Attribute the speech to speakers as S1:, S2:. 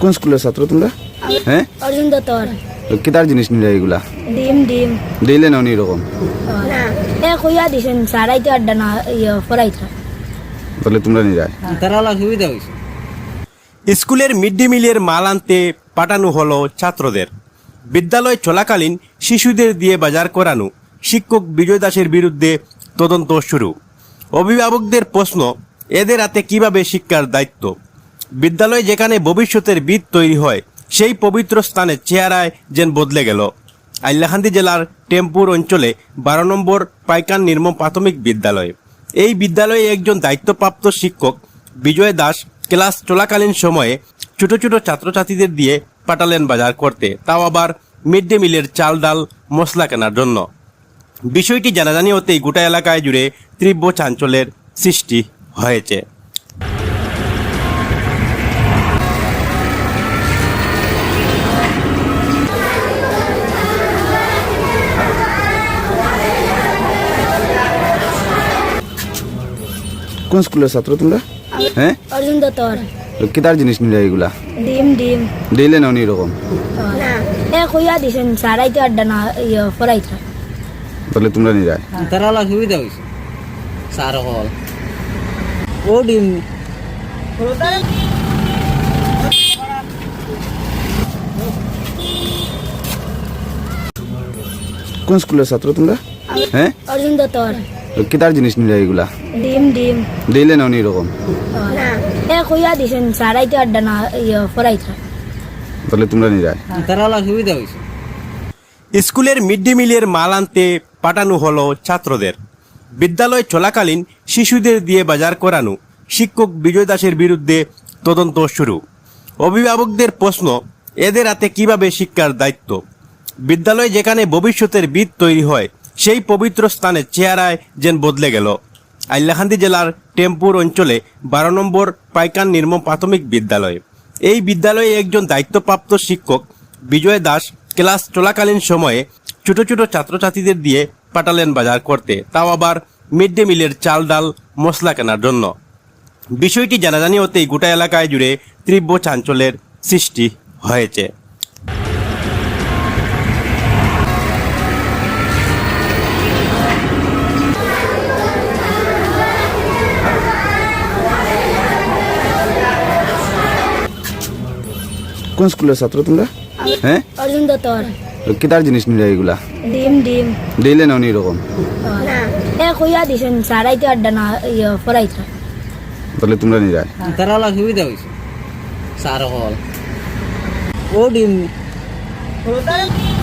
S1: কোন স্কুলের ছাত্র তোমরা? হ্যাঁ,
S2: অর্জুন দত্তর।
S1: কিতার জিনিস নিলে এগুলা
S2: ডিম ডিম
S1: দিলে না এরকম
S2: না কইয়া দিছেন সারাইতে আড্ডা না ফরাইতে
S1: বলে তোমরা নিরায়
S3: তারা সুবিধা হয়েছে।
S4: স্কুলের মিড ডে মিলের মাল আনতে পাঠানো হলো ছাত্রদের। বিদ্যালয় চলাকালীন শিশুদের দিয়ে বাজার করানো, শিক্ষক বিজয় দাসের বিরুদ্ধে তদন্ত শুরু। অভিভাবকদের প্রশ্ন, এদের হাতে কিভাবে শিক্ষার দায়িত্ব? বিদ্যালয় যেখানে ভবিষ্যতের ভিত তৈরি হয়, সেই পবিত্র স্থানে চেহারায় যেন বদলে গেল। হাইলাকান্দি জেলার টেম্পুর অঞ্চলে 12 নম্বর পাইকান নির্মম প্রাথমিক বিদ্যালয়। এই বিদ্যালয়ে একজন দায়িত্বপ্রাপ্ত শিক্ষক বিজয় দাস ক্লাস চলাকালীন সময়ে ছোট ছোট ছাত্রছাত্রীদের দিয়ে পাঠালেন বাজার করতে, তাও আবার মিড ডে মিলের চাল ডাল মশলা কেনার জন্য। বিষয়টি জানাজানি হতেই গোটা এলাকায় জুড়ে তীব্র চাঞ্চল্যের সৃষ্টি হয়েছে।
S1: কোন স্কুলের ছাত্র তোমরা? হ্যাঁ,
S2: অর্জুন দত্তর।
S1: কিতার জিনিস নিলে এগুলা
S2: ডিম ডিম
S1: দিলে না এরকম
S2: না কইয়া দিছেন সারাইতে আড্ডা না ফরাইতে
S1: বলে তোমরা নিরায়
S3: তারা সুবিধা হয়েছে। সার হল ও ডিম
S1: কোন স্কুলের ছাত্র তোমরা? হ্যাঁ,
S2: অর্জুন দত্তর।
S1: কিতার জিনিস নিলে এগুলা
S2: ডিম ডিম
S1: দিলে না এরকম
S2: না কইয়া দিছেন সারাইতে আড্ডা না ফরাইতে
S1: বলে তোমরা নিরায়
S3: তারা সুবিধা হয়েছে।
S4: স্কুলের মিড ডে মিলের মাল আনতে পাঠানো হলো ছাত্রদের। বিদ্যালয় চলাকালীন শিশুদের দিয়ে বাজার করানো, শিক্ষক বিজয় দাসের বিরুদ্ধে তদন্ত শুরু। অভিভাবকদের প্রশ্ন, এদের হাতে কিভাবে শিক্ষার দায়িত্ব? বিদ্যালয় যেখানে ভবিষ্যতের ভিত তৈরি হয়, সেই পবিত্র স্থানে চেহারায় যেন বদলে গেল। হাইলাকান্দি জেলার টেম্পুর অঞ্চলে 12 নম্বর পাইকান নির্মম প্রাথমিক বিদ্যালয়। এই বিদ্যালয়ে একজন দায়িত্বপ্রাপ্ত শিক্ষক বিজয় দাস ক্লাস চলাকালীন সময়ে ছোট ছোট ছাত্রছাত্রীদের দিয়ে পাঠালেন বাজার করতে, তাও আবার মিড ডে মিলের চাল ডাল মশলা কেনার জন্য। বিষয়টি জানাজানি হতেই গোটা এলাকায় জুড়ে তীব্র চাঞ্চল্যের সৃষ্টি হয়েছে।
S1: কোন স্কুলের ছাত্র তোমরা? হ্যাঁ,
S2: অর্জুন দত্তর।
S1: কিতার জিনিস নিলে এগুলা
S2: ডিম ডিম
S1: দিলে না এরকম
S2: না কইয়া দিছেন সারাইতে আড্ডা না ফরাইতে
S1: বলে তোমরা নিরায়
S3: তারা সুবিধা হয়েছে। সার হল ও ডিম